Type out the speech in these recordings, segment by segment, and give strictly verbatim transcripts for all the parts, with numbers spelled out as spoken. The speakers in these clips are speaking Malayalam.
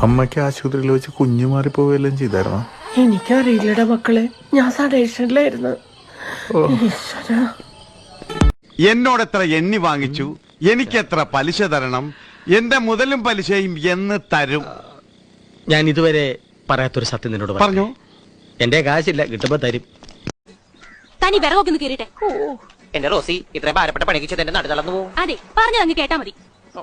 അമ്മയ്ക്ക് ആശുപത്രിയിൽ വെച്ച് കുഞ്ഞു മാറിപ്പോവുകയെല്ലാം ചെയ്തായിരുന്നോ? എനിക്കറിയില്ലടാ മക്കളെ, ഞാൻ സഡേഷനിലായിരുന്നു. എന്നോട് എത്ര എണ്ണി വാങ്ങിച്ചു, എനിക്കെത്ര പലിശ തരണം, എന്റെ മുതലും പലിശയും എന്ന് തരും? ഞാൻ ഇതുവരെ പറയാത്തൊരു സത്യം നിന്നോട് പറഞ്ഞു. എന്റെ കാശില്ല, കിട്ടുമ്പോ തരും. തനി വിറകൊക്കെ കേറിട്ടെ. എന്റെ റോസി, ഇത്രയും ഭാരപ്പെട്ട പണിക്ക് എന്റെ നടു തളർന്നു പോകും. അതെ, പറഞ്ഞതങ്ങ് കേട്ടാ മതി.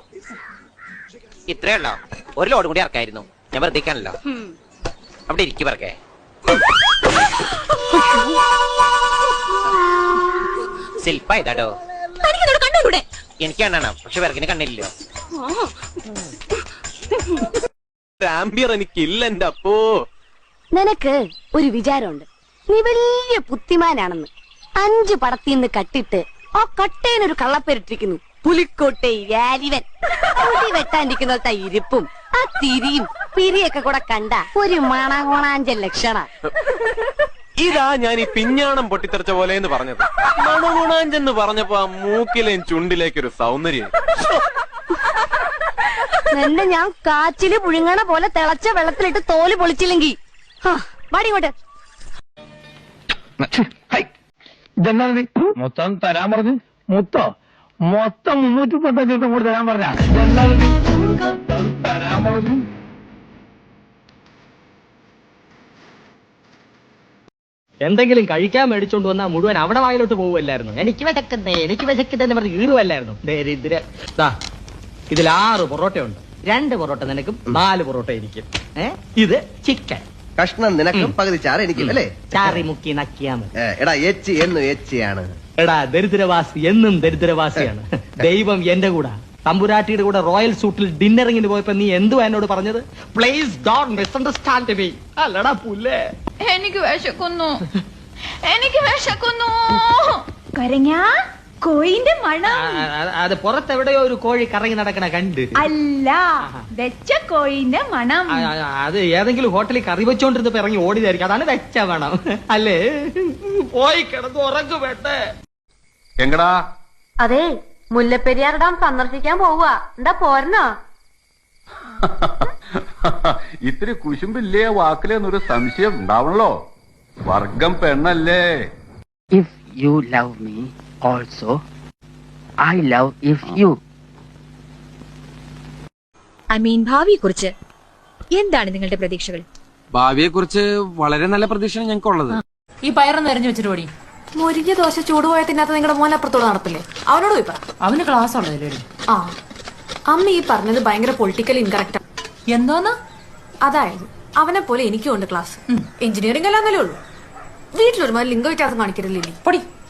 ഇത്രേ ഉള്ളോ? ഒരു ലോഡ് കൂടി ഇറക്കായിരുന്നു. ഞാൻ വെറുതെക്കാണല്ലോ. അവിടെ ഇരിക്കും പറക്കേ. ശില്പ ഇതാട്ടോ. എനിക്ക് കണ്ണാണ്, പക്ഷെ വിറകിന് കണ്ണില്ലല്ലോ. എനിക്കില്ല എന്റെ അപ്പോ. നിനക്ക് ഒരു വിചാരമുണ്ട്, നീ വലിയ ബുദ്ധിമാനാണെന്ന്. അഞ്ചു പടത്തിന്ന് കട്ടിട്ട് ആ കട്ടേനൊരു കള്ളപ്പേരിട്ടിരിക്കുന്നു, പുലിക്കോട്ടെ വാലിവൻ. മുടി വെട്ടാണ്ടിരിക്കുന്ന ഇരിപ്പും ആ തിരിയും പിരിയൊക്കെ കൂടെ കണ്ട ഒരു മണകോണാഞ്ചൽ ലക്ഷണ. ഇതാ ഞാൻ ഈ പിഞ്ഞാണം പൊട്ടിത്തെറിച്ച പോലെ എന്ന് പറഞ്ഞത്. മണഗുണാഞ്ചെന്ന് പറഞ്ഞപ്പോ ആ മൂക്കിലേയും ചുണ്ടിലേക്കൊരു സൗന്ദര്യം. എന്നെ ഞാൻ കാച്ചില് പുഴുങ്ങണ പോലെ തിളച്ച വെള്ളത്തിലിട്ട് തോല് പൊളിച്ചില്ലെങ്കി വാടിങ്ങോട്ട്. ഇതെന്താ മൊത്തം തരാൻ പറഞ്ഞു? മൊത്തം മൊത്തം മുന്നൂറ്റി മുപ്പത്തഞ്ച് ദിവസം കൂടി തരാൻ പറഞ്ഞ തരാൻ പറഞ്ഞു. എന്തെങ്കിലും കഴിക്കാൻ മേടിച്ചോണ്ട് വന്നാൽ മുഴുവൻ അവിടെ വായിലോട്ട് പോകുമല്ലായിരുന്നു. എനിക്ക് വിശക്കുന്നേ എനിക്ക് വിശക്കുന്നതെന്ന് പറഞ്ഞ് ഈറുമല്ലായിരുന്നു. ദരിദ്ര. ഇതിൽ ആറ് പൊറോട്ടയുണ്ട്. രണ്ട് പൊറോട്ട നിനക്കും നാല് പൊറോട്ട എനിക്കും. ഏഹ് ഇത് ചിക്കൻ കഷ്ണം നിനക്കും പകുതി ചാറ് എനിക്കും അല്ലേ? ചാറി മുക്കി നക്കിയാ മതി. എടാ എച്ച് എന്നും എച്ചിയാണ്. എടാ ദരിദ്രവാസി എന്നും ദരിദ്രവാസിയാണ്. ദൈവം എന്റെ കൂടെ. തമ്പുരാട്ടിയുടെ കൂടെ റോയൽ സൂട്ടിൽ ഡിന്നറിങ്ങിന് പോയപ്പോ നീ എന്തുവാ എന്നോട് പറഞ്ഞത്? Please don't misunderstand me. അല്ലടാ പുല്ലേ. എനിക്ക് വിശക്കുന്നു, എനിക്ക് വിശക്കുന്നു. കരഞ്ഞാ കോയിന്റെ മണം. അത് പുറത്തെവിടെയോ ഒരു കോഴി കറങ്ങി നടക്കണ കണ്ട്. അല്ല, വെച്ച കോയിന്റെ മണം. അത് ഏതെങ്കിലും ഹോട്ടലിൽ കറി വെച്ചോണ്ടിരുന്നപ്പോ ഇറങ്ങി ഓടിയതായിരിക്കും. അതാണ് വെച്ച മണം അല്ലേ? പോയി കിടന്ന് ഉറങ്ങു വേണ്ടേ? എങ്കടാ അതെ, മുല്ലപ്പെരിയാർ ഡാം സന്ദർശിക്കാൻ പോവുക. എന്താ പോരണോ? ഇത്തിരി കുശുമ്പില്ലേ വാക്കിലെന്നൊരു സംശയം ഉണ്ടാവണല്ലോ. വർഗം പെണ്ണല്ലേ? If you love me also I love if you. I mean ഭാവിയെ കുറിച്ച് എന്താണ് നിങ്ങളുടെ പ്രതീക്ഷകൾ? ഭാവിയെ കുറിച്ച് വളരെ നല്ല പ്രതീക്ഷയാണ് ഞങ്ങൾക്കുള്ളത്. ഈ പയറൊന്ന് എറിഞ്ഞു വെച്ചിട്ട് പോടി. മുരിഞ്ഞ ദോശ ചൂടുപോയ തിന്നാത്ത നിങ്ങളുടെ മോൻ അപ്പുറത്തോട് നടത്തില്ലേ? അവനോട് പോയി പറ. അവന് ക്ലാസ് ഉള്ളതല്ലേ? ആ, അമ്മ ഈ പറഞ്ഞത് ഭയങ്കര പൊളിറ്റിക്കൽ ഇൻകറക്റ്റാ. എന്തോന്നാ? അതായത് അവനെ പോലെ എനിക്കും ഉണ്ട് ക്ലാസ്. എഞ്ചിനീയറിംഗ് അല്ലാന്നല്ലേ ഉള്ളൂ. വീട്ടിലൊരുമാതിരി ലിംഗ വ്യത്യാസം കാണിക്കരുതില്ലേ? പൊടി.